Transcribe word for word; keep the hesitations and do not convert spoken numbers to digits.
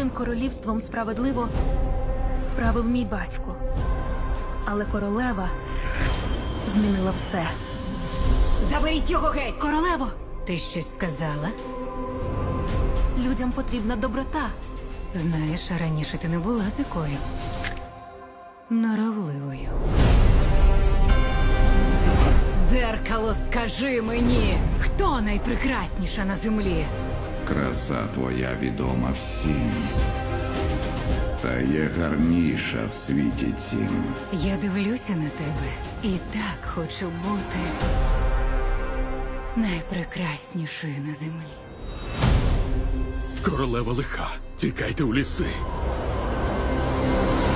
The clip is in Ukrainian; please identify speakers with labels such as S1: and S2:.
S1: Цим королівством справедливо правив мій батько. Але королева змінила все.
S2: Заберіть його геть!
S1: Королево,
S2: Ти щось сказала?
S1: людям потрібна доброта.
S2: Знаєш, раніше ти не була такою норовливою. Дзеркало, скажи мені, хто найпрекрасніша на землі?
S3: Краса твоя відома всім. Та є гарніша в світі цім.
S2: Я дивлюся на тебе і так хочу бути найпрекраснішою на землі.
S4: Королева лиха. Тікайте у ліси.